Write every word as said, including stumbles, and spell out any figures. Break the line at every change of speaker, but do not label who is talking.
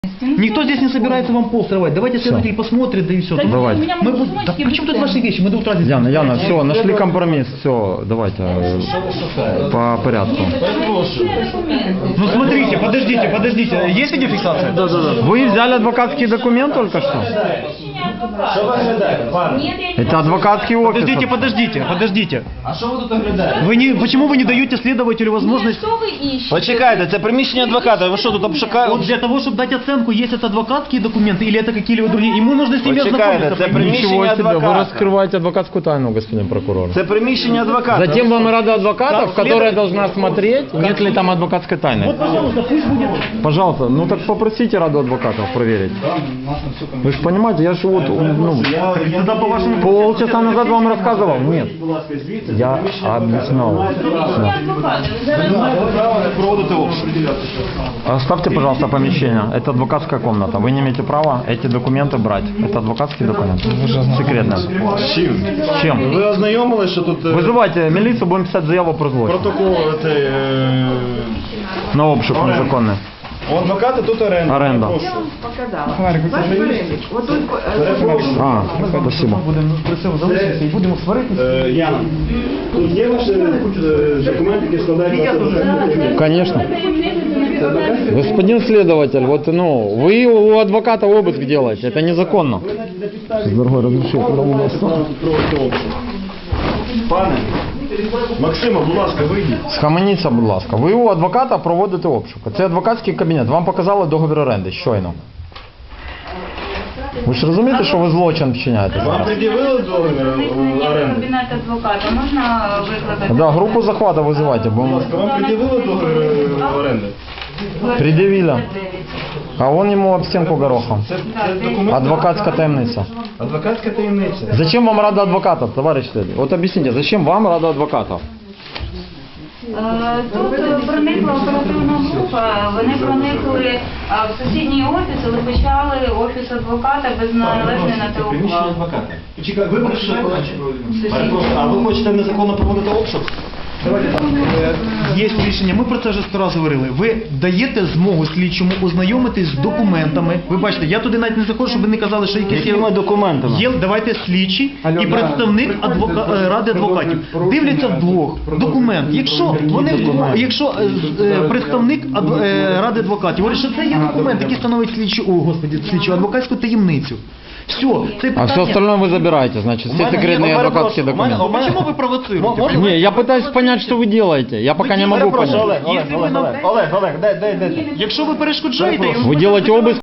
Никто здесь не собирается вам пол срывать. Давайте следователь посмотрит, да и все.
Давайте.
Мы будем... Да причем тут ваши вещи? Мы до утра здесь...
Яна, Яна, все, нашли компромисс, все, давайте э, по порядку.
Ну смотрите, подождите, подождите. Есть видеофиксация? Да, да, да.
Вы взяли адвокатский документ только что? Это адвокатский офис.
Подождите, подождите, подождите.
А що ви тут оглядаєте?
Вы не... Почему вы не даете следователю возможность...
Що ви іщете?
Почекайте, це приміщення адвоката, ви що тут обшукаєте?
Вот для того, чтобы дать оценку, есть это адвокатские документы или это какие-либо другие, ему нужно с ними
Почекайте,
ознакомиться.
це
понимаете?
приміщення
Ничего себе, вы
адвоката.
раскрываете адвокатскую тайну, господин прокурор.
Це приміщення адвоката.
Затем вам рада адвокатов,
Как
которая
следователь-
должна смотреть, нет ли там адвокатской тайны.
Вот, пожалуйста, пусть будет...
Пожалуйста, ну так попросите раду адвокатов проверить. Вы же понимаете, я же вот, ну,
Тогда по вашему...
полчаса назад вам рассказывал. Нет, я объяснял.
Рішення адвоката. Ви зараз
Проводити обшук.
Оставьте, пожалуйста, помещение. Это адвокатская комната. Вы не имеете права эти документы брать. Это адвокатский документ. Секретно.
Чим?
Чем?
Ви ознайомились, що тут е,
Вызывайте милицию, будем писать заяву про злочин.
протокол цей, е,
На обшук незаконный.
у адвоката тут оренда.
Оренда.
Показала. Ваш перелік. Отут е,
А, спасибо.
Будемо просимо залишитися і будемо сваритися.
Е, Яна, тут є ваші е, документи, які складають на це?
Конечно. Господин следователь, вот, ну, вы у адвоката обыск делаете, это незаконно. Дорогой, разрешите,
Проводити обшук. Пане, Максима, будь ласка, вийдіть.
Схаменіться, будь ласка. Ви у адвоката проводите обшук. Це адвокатський кабінет. Вам показали договір оренди щойно. Ви ж розумієте, що ви злочин вчиняєте
Вам
зараз?
пред'явили договір
проникнення в
оренди?
кабінет адвоката. Можна викликати?
Да, групу захвату визивайте, бо
Будь ласка, вам пред'явили договір оренди?
пред'явили. А вон йому об стінку горохом.
Це, це документ?
Адвокатська таємниця.
Адвокатська таємниця.
Зачем вам рада адвокатов, товарищ следователь? Вот объясните, зачем вам рада адвокатов?
Е, Тут е, проникла оперативна група, вони проникли е, в сусідній офіс, але почали офіс адвоката без належної на те
Приміщення
ухвали.
адвоката. Почекай, ви прийшли?
Сусідній.
Перепрошую, а ви хочете незаконно проводити обшук?
Давайте так. Е, Є рішення, ми про це вже сто разів говорили. Ви даєте змогу слідчому ознайомитись з документами. Ви бачите, я туди навіть не заходжу, щоб ви не казали, що якісь є...
Якими документами?
Є, давайте слідчий і представник адвока... е, ради адвокатів. Дивляться вдвох документ. Якщо вони вдвох, якщо е, з- е, представник адв... е, ради адвокатів говорить, що це є документ, який становить слідчу, о, господи, слідчу адвокатську таємницю. Все, це
А
питання...
все остальное вы забираете, значит, все
мене-
секретные
я
адвокатские
перепрошую, у мене-
документы.
Ну, почему вы провоцируете?
Можно?
Не, я пытаюсь понять, что вы делаете. Я пока не могу
Перепрошую,
понять.
Олег, Олег,
Якщо ви
Олег,
нам-
Олег, Олег, дай, дай, дай.
Якщо ви перешкоджаєте...
Вы делаете обыск